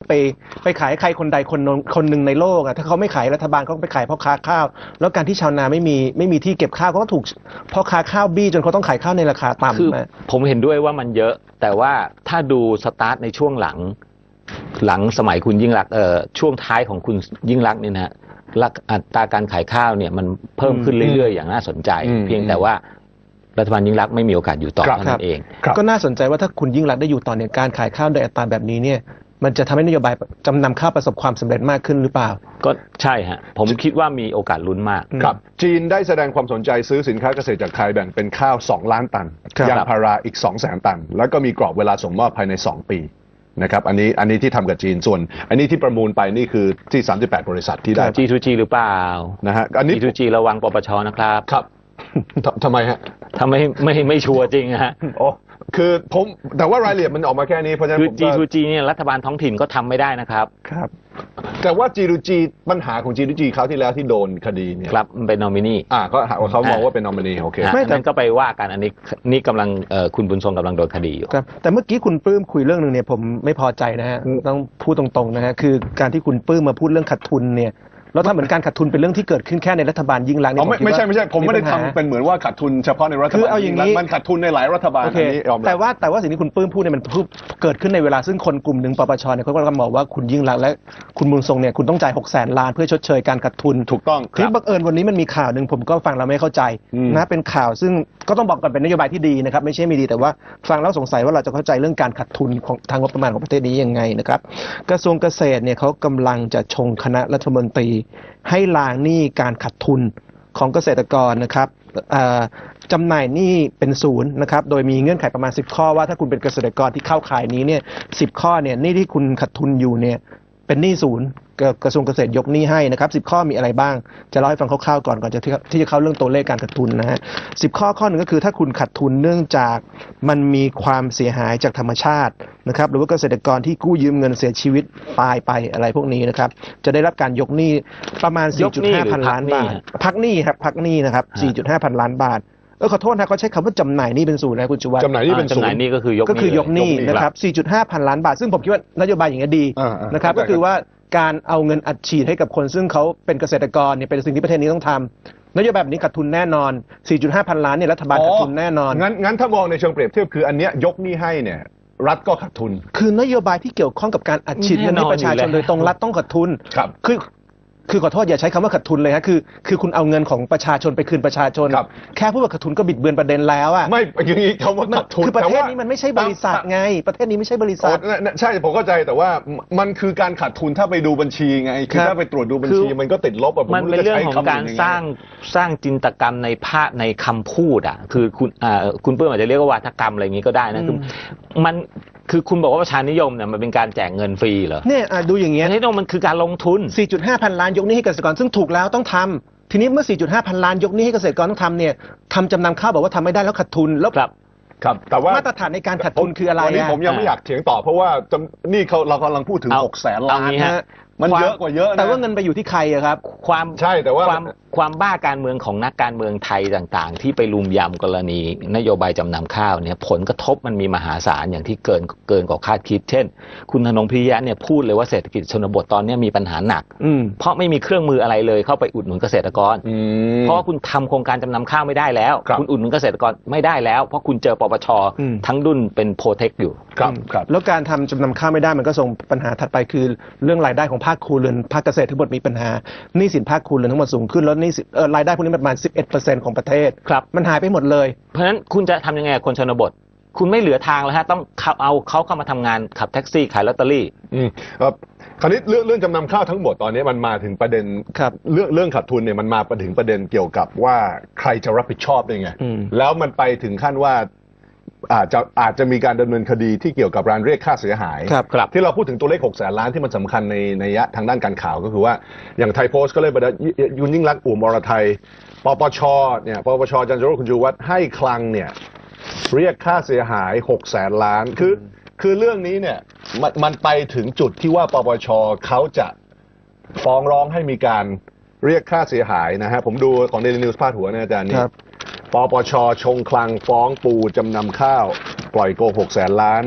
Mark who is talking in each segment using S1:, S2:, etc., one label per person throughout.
S1: ไปขายใครคนใดคนหนึ่งในโลกอ่ะถ้าเขาไม่ขายรัฐบาลเขาไปขายพ่อค้าข้าวแล้วการที่ชาวนาไม่มีที่เก็บข้าวก็ถูกพ่อค้าข้าวบี้จนเขาต้องขายข้าวในราคาต่ำคือ
S2: ผมเห็นด้วยว่ามันเยอะแต่ว่าถ้าดูสตาร์ทในช่วงหลังสมัยคุณยิ่งรักษณ์ช่วงท้ายของคุณยิ่งรักษณ์เนี่ยนะอัตราการขายข้าวเนี่ยมันเพิ่มขึ้นเรื่อยๆอย่างน่าสนใจเพียงแต่ว่ารัฐบาลยิ่งรักษณ์ไม่มีโอกาสอยู่ต่อเท่านั้นเอง
S1: ก็น่าสนใจว่าถ้าคุณยิ่งรักษณ์ได้อยู่ต่อเนี่ยการขายข้าวโดยอัตราแบบนี้เนี่ยมันจะทำให้นโยบายจำนำข้าวประสบความสำเร็จมากขึ้นหรือเปล่า
S2: ก็ใช่ฮะผมคิดว่ามีโอกาสลุ้นมาก
S3: ครับจีนได้แสดงความสนใจซื้อสินค้าเกษตรจากไทยแบ่งเป็นข้าว2 ล้านตันยางพาราอีก 200,000 ตันแล้วก็มีกรอบเวลาส่งมอบภายใน2 ปีนะครับอันนี้ที่ทำกับจีนส่วนอันนี้ที่ประมูลไปนี่คือที่38บริษัทที่ได้
S2: G2G หรือเปล่า
S3: นะฮะอันนี้
S2: G2G ระวังปปชนะครับ
S3: ครับทำไมฮะ
S2: ทำไม่ชัวร์จริงฮะ
S3: โอ้คือผมแต่ว่ารายละเอียดมันออกมาแค่นี้เพราะฉะนั้น
S2: G2G เนี่ยรัฐบาลท้องถิ่นก็ทำไม่ได้นะครับ
S3: ครับแต่ว่า G2G ปัญหาของ G2G คราวที่แล้วที่โดนคดีเนี่ย
S2: ครับมันเป็นนอมินี
S3: เขามองว่าเป็นนอมินีโอเค
S2: ไม่แต่ก็ไปว่ากันอันนี้กำลังคุณบุญทรงกำลังโดนคดีอยู่
S1: ครับแต่เมื่อกี้คุณปื้มคุยเรื่องนึงเนี่ยผมไม่พอใจนะฮะต้องพูดตรงๆนะฮะคือการที่คุณปื้มมาพูดเรื่องขาดทุนเนี่ยแล้วถ้าเหมือนการขาดทุนเป็นเรื่องที่เกิดขึ้นแค่ในรัฐบาลยิ่งรักษณ์
S3: ไม่ใช่ผมไม่ได้ทำเป็นเหมือนว่าขาดทุนเฉพาะในรัฐบาลยิ่งรักษณ์มันขาดทุนในหลายรัฐบาลนี้
S1: แต่ว่าสิ่งที่คุณปื้มพูดเนี่ยมันเกิดขึ้นในเวลาซึ่งคนกลุ่มหนึ่งปปชเนี่ยเขาก็กำลังบอกว่าคุณยิ่งรักษณ์และคุณบุญทรงเนี่ยคุณต้องจ่าย600,000 ล้านเพื่อชดเชยการขาดทุน
S3: ถูกต้อง
S1: ที่บังเอิญวันนี้มันมีข่าวหนึ่งผมก็ฟังแล้วไม่เข้าใจนะเป็นข่าวซึ่งก็ต้องบอกก่อนเป็นนโยบายที่ดีนะครับไม่ใช่ไม่ดีแต่ว่าฟังแล้วสงสัยว่าเราจะเข้าใจเรื่องการขาดทุนของทางงบประมาณของประเทศนี้ยังไงนะครับกระทรวงเกษตรเนี่ยเขากำลังจะชงคณะรัฐมนตรีให้ล้างหนี้การขาดทุนของเกษตรกรนะครับจำหน่ายหนี้เป็นศูนย์นะครับโดยมีเงื่อนไขประมาณ10 ข้อว่าถ้าคุณเป็นเกษตรกรที่เข้าข่ายนี้เนี่ย10 ข้อเนี่ยหนี้ที่คุณขาดทุนอยู่เนี่ยเป็นหนี้ศูนย์กระทรวงเกษตรยกหนี้ให้นะครับ10 ข้อมีอะไรบ้างจะเล่าให้ฟังคร่าวๆก่อนที่จะเข้าเรื่องตัวเลขการขาดทุนนะฮะ10 ข้อหนึ่งก็คือถ้าคุณขาดทุนเนื่องจากมันมีความเสียหายจากธรรมชาตินะครับหรือว่าเกษตรกรที่กู้ยืมเงินเสียชีวิตตายไปอะไรพวกนี้นะครับจะได้รับการยกหนี้ประมาณ 4.5 พันล้านบาทพักหนี้ครับพักหนี้นะครับ 4.5 พันล้านบาทขอโทษนะเขาใช้คำว่าจำหน่ายหนี้เป็นศูนย์นะคุณชูวัฒน์
S3: จำหน่ายหนี้เป็นศูนย์
S2: จำหน่ายหนี้ก็คือย
S1: กหนี้นะครับ 4.5 พันล้านบาทซึ่งผมคิดว่านโยบายอย่างนี้ดีนะครับก็คือว่าการเอาเงินอัดฉีดให้กับคนซึ่งเขาเป็นเกษตรกรเนี่ยเป็นสิ่งที่ประเทศนี้ต้องทำนโยบายแบบนี้ขาดทุนแน่นอน 4.5 พันล้านเนี่ยรัฐบาลขาดทุนแน่นอน
S3: งั้นถ้ามองในเชิงเปรียบเทียบคืออันเนี้ยยกหนี้ให้เนี่ยรัฐก็ขาดทุน
S1: คือนโยบายที่เกี่ยวข้องกับการอัดฉีดเงินให้ประชาชนโดยตรงรัฐต้องขาดทุนคือขอโทษอย่าใช้คำว่าขาดทุนเลยฮะคือคุณเอาเงินของประชาชนไปคืนประชาชนแค่พูดว่าขาดทุนก็บิดเบือนประเด็นแล้วอ่ะ
S3: ไม่อย่างนี้คำว่าขาดทุน
S1: คือประเทศนี้มันไม่ใช่บริษัทไงประเทศนี้ไม่ใช่บริษัท
S3: ใช่ผมเข้าใจแต่ว่ามันคือการขาดทุนถ้าไปดูบัญชีไงคือถ้าไปตรวจดูบัญชีมันก็ติดลบ
S2: มันเป็นเรื่องของการสร้างจินตกรรมในภาพในคำพูดอ่ะคือคุณเปิ้ลอาจจะเรียกว่าวาทกรรมอะไรอย่างนี้ก็ได้นะคือคุณบอกว่าประชานิยมเนี่ยมันเป็นการแจกเงินฟรีเหรอ
S1: เนี่ยดูอย่างเงี้ย
S2: นี่มันคือการลงทุน
S1: 4.5 พันล้านยกหนี้ให้เกษตรกรซึ่งถูกแล้วต้องทำทีนี้เมื่อ 4.5 พันล้านยกหนี้ให้เกษตรกรต้องทำเนี่ยทำจำนำข้าวบอกว่าทำไม่ได้แล้วขาดทุนแล้ว
S3: ครับแต่ว่า
S1: มาตรฐานในการขาดทุนคืออะไร
S3: วันนี้ผมยังไม่อยากเถียงต่อเพราะว่านี่เรากำลังพูดถึง600,000 ล้านมันเยอะกว่าเยอะนะ
S1: แต่ว่าเงินไปอยู่ที่ใครอะครับ
S3: ใช่แต่ว่า
S2: ความบ้าการเมืองของนักการเมืองไทยต่างๆที่ไปลุมยำกรณีนโยบายจำนำข้าวเนี่ยผลกระทบมันมีมหาศาลอย่างที่เกินกว่าคาดคิดเช่นคุณธนงพิริยะเนี่ยพูดเลยว่าเศรษฐกิจชนบทตอนนี้มีปัญหาหนักเพราะไม่มีเครื่องมืออะไรเลยเข้าไปอุดหนุนเกษตรกรเพราะว่าคุณทำโครงการจำนำข้าวไม่ได้แล้วคุณอุดหนุนเกษตรกรไม่ได้แล้วเพราะคุณเจอปปชทั้งดุนเป็นโปรเทคอยู่
S1: แล้วการทำจำนำข้าวไม่ได้มันก็ส่งปัญหาถัดไปคือเรื่องรายได้ของภาคครัวเรือนภาคเกษตรทั้งหมดมีปัญหาหนี้สินภาคครัวเรือนทั้งหมดสูงขึ้นแล้วหนี้รายได้พวกนี้ประมาณ 11% ของประเทศมันหายไปหมดเลย
S2: เพราะฉะนั้นคุณจะทำยังไงคนชนบทคุณไม่เหลือทางแล้วฮะต้องเอาเขาเข้ามาทำงานขับแท็กซี่ขายลอตเตอรี่
S3: คราวนี้เรื่องจำนำข้าวทั้งหมดตอนนี้มันมาถึงประเด็นเรื่องขาดทุนเนี่ยมันมาถึงประเด็นเกี่ยวกับว่าใครจะรับผิดชอบได้ไงแล้วมันไปถึงขั้นว่าอาจจะมีการดำเนินคดีที่เกี่ยวกับการเรียกค่าเสียหายที่เราพูดถึงตัวเลข600,000 ล้านที่มันสำคัญในทางด้านการข่าวก็คือว่าอย่างไทยโพสต์ก็เลยบอกว่ายุนยิ่งรักอุ่มอรไทยปปชเนี่ยปปชจันทร์โรจน์คุณชูวัฒน์ให้คลังเนี่ยเรียกค่าเสียหาย600,000 ล้านคือเรื่องนี้เนี่ยมันไปถึงจุดที่ว่าปปชเขาจะฟ้องร้องให้มีการเรียกค่าเสียหายนะฮะผมดูของ Daily News พาดหัวนะอาจารย์นี่ปปชชงคลังฟ้องปูจำนำข้าวปล่อยโก600,000 ล้าน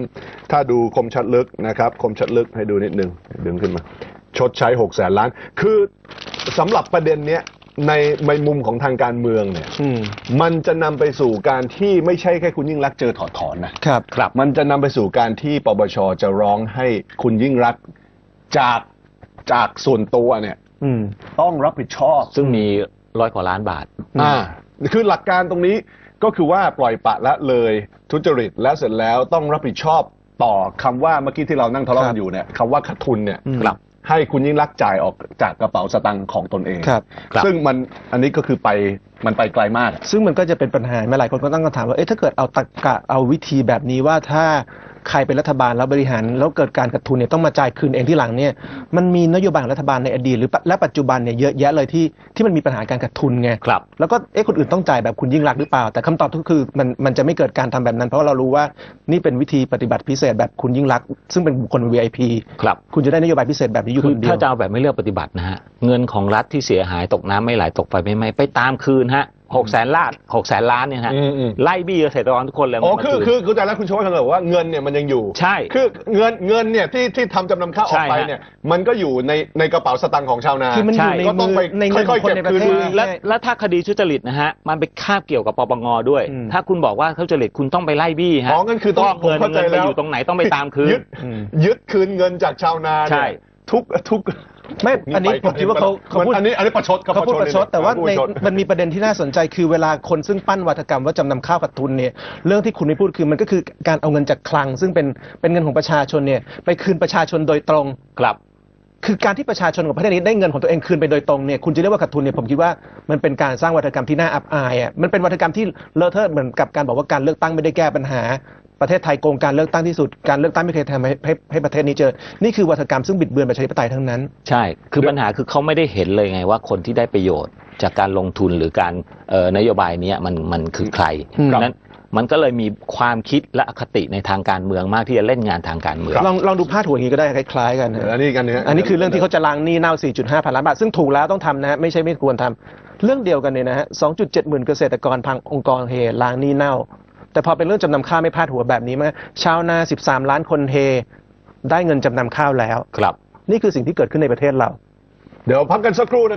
S3: ถ้าดูคมชัดลึกนะครับคมชัดลึกให้ดูนิดนึงดึงขึ้นมาชดใช้600,000 ล้านคือสำหรับประเด็นเนี้ยในมุมของทางการเมืองเนี่ยมันจะนำไปสู่การที่ไม่ใช่แค่คุณยิ่งรักษณ์เจอถอดถอนนะครับมันจะนำไปสู่การที่ปปชจะร้องให้คุณยิ่งรักษณ์จากส่วนตัวเนี่ยต้องรับผิดชอบ
S2: ซึ่งมี100 กว่าล้านบาท
S3: คือหลักการตรงนี้ก็คือว่าปล่อยปละละเลยทุจริตแล้วเสร็จแล้วต้องรับผิดชอบต่อคำว่าเมื่อกี้ที่เรานั่งทะเลาะกันอยู่เนี่ยคำว่าขาดทุนเนี่ยให้คุณยิ่งรักษณ์จ่ายออกจากกระเป๋าสตางค์ของตนเองซึ่งอันนี้ก็คือมันไปไกลมาก
S1: ซึ่งมันก็จะเป็นปัญหาหลายคนก็ตั้งคำถามว่าถ้าเกิดเอาตรรกะเอาวิธีแบบนี้ว่าถ้าใครเป็นรัฐบาลแล้วบริหารแล้วเกิดการขาดทุนเนี่ยต้องมาจ่ายคืนเองที่หลังเนี่ยมันมีนโยบายของรัฐบาลในอดีตหรือและปัจจุบันเนี่ยเยอะแยะเลยที่มันมีปัญหาการขาดทุนไงแล้วก็คนอื่นต้องจ่ายแบบคุณยิ่งรักษณ์หรือเปล่าแต่คำตอบก็คือมันจะไม่เกิดการทำแบบนั้นเพราะเรารู้ว่านี่เป็นวิธีปฏิบัติพิเศษแบบคุณยิ่งรักษณ์ซึ่งเป็นบุคคล VIP คุณจะได้นโยบายพิเศษแบบนี้อยู่คนเดียว
S2: ถ้าจะเอาแบบไม่เลือกปฏิบัตินะฮะเงินของรัฐที่เสียหายตกน้ำไม่ไหลตกไฟไม่ไหม้ไปตามคืนฮะ600,000 ล้านเนี่ยฮะไล่บี้เกษตรกรทุกคนเลย
S3: คือแต่แล้วคุณชวบอกว่าเงินเนี่ยมันยังอยู่
S2: ใช่
S3: คือเงินเนี่ยที่ทำจำนำข้าวออกไปเนี่ยมันก็อยู่ในกระเป๋าสตางค์ของชาวนา
S1: คือมันอยู่ในมือค่อยๆเก็บคืน
S2: แล้วถ้าคดีทุจริตนะฮะมันไปคาบเกี่ยวกับปปงด้วยถ้าคุณบอกว่าทุจริตคุณต้องไปไล่บี้ฮะ
S3: งั้นคือต้อง
S2: เงินไปอยู่ตรงไหนต้องไปตามคืน
S3: ยึดคืนเงินจากชาวนาเนี่ยทุก
S1: ไม่อันนี้ผมคิดว่าเขาพูด
S3: อันนี้ประชด
S1: เขาพูดประชดแต่ว่ามันมีประเด็นที่น่าสนใจคือเวลาคนซึ่งปั้นวาทกรรมว่าจำนำข้าวขาดทุนเนี่ยเรื่องที่คุณไม่พูดคือมันก็คือการเอาเงินจากคลังซึ่งเป็นเงินของประชาชนเนี่ยไปคืนประชาชนโดยตรงคือการที่ประชาชนของประเทศนี้ได้เงินของตัวเองคืนไปโดยตรงเนี่ยคุณจะเรียกว่าขาดทุนเนี่ยผมคิดว่ามันเป็นการสร้างวาทกรรมที่น่าอับอายมันเป็นวาทกรรมที่เลอะเทอะเหมือนกับการบอกว่าการเลือกตั้งไม่ได้แก้ปัญหาประเทศไทยโกงการเลือกตั้งที่สุดการเลือกตั้งไม่เคยทำให้ประเทศนี้เจอนี่คือวาทกรรมซึ่งบิดเบือนประชาธิปไตยทั้งนั้น
S2: ใช่คือปัญหาคือเขาไม่ได้เห็นเลยไงว่าคนที่ได้ประโยชน์จากการลงทุนหรือการนโยบายนี้มันคือใครนั้นมันก็เลยมีความคิดและอคติในทางการเมืองมากที่จะเล่นงานทางการเมือง
S1: ลองดูพาดหัวอย่างนี้ก็ได้คล้ายๆกัน
S3: อันนี้
S1: คือเรื่องที่เขาจะล้างหนี้เน่า 4.5 พันล้านบาทซึ่งถูกแล้วต้องทำนะไม่ใช่ไม่ควรทำเรื่องเดียวกันเนี่ยนะฮะ 2.7 หมื่นเกษตรกรพังองค์กรเฮล้างหนี้เน่าแต่พอเป็นเรื่องจำนำข้าวไม่พาดหัวแบบนี้มาชาวนา13 ล้านคนเฮได้เงินจำนำข้าวแล้วนี่คือสิ่งที่เกิดขึ้นในประเทศเรา
S3: เดี๋ยวพักกันสักครู่นะ